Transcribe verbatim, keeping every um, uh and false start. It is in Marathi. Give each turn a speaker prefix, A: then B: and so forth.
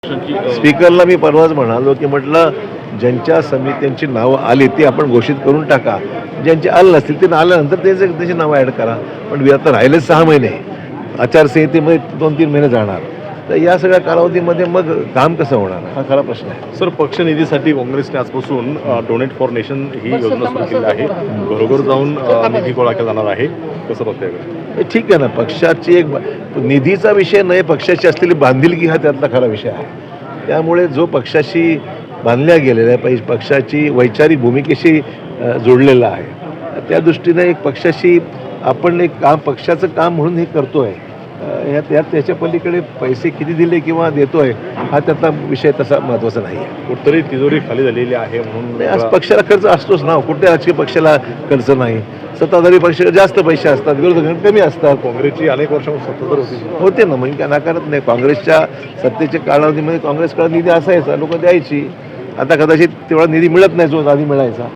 A: स्पीकरला मी परवाच म्हणालो की म्हटलं ज्यांच्या समित्यांची नावं आली ती आपण घोषित करून टाका, ज्यांचे आलं नसतील ते आल्यानंतर त्याचे त्याची नावं ॲड करा. पण आता राहिलेच सहा महिने, आचारसंहितेमध्ये दोन तीन महिने जाणार, तर या सगळ्या कालावधीमध्ये मग काम कसं होणार हा खरा प्रश्न आहे.
B: सर, पक्षनिधीसाठी काँग्रेसने आजपासून डोनेट फॉर नेशन ही योजना सुरू केली आहे. घरोघर जाऊन अ, निधी गोळा केला जाणार आहे. कसं बघताय?
A: हे ठीक आहे ना, पक्षाची एक निधीचा विषय नाही, पक्षाची असलेली बांधिलकी हा त्यातला खरा विषय आहे. त्यामुळे जो पक्षाशी बांधल्या गेलेला आहे, पक्षाची वैचारिक भूमिकेशी जोडलेला आहे, त्या दृष्टीने एक पक्षाशी आपण एक काम पक्षाचं काम म्हणून हे करतो आहे. ह्या त्यात त्याच्या पलीकडे पैसे किती दिले किंवा देतो आहे हा त्यातला विषय तसा महत्त्वाचा नाही आहे.
B: कुठतरी तिजोरी खाली झालेली आहे म्हणून
A: आज पक्षाला खर्च असतोच ना, कुठल्या राजकीय पक्षाला खर्च नाही. सत्ताधारी पक्षाला जास्त पैसे असतात, विरोधकांना कमी असतात.
B: काँग्रेसची अनेक वर्षांपासून सत्ताधार होती
A: होते ना, म्हणजे काय नाकारत नाही. काँग्रेसच्या सत्तेच्या कालावधीमध्ये काँग्रेसकडे निधी असायचा, लोक द्यायची. आता कदाचित तेवढा निधी मिळत नाही जो आधी मिळायचा.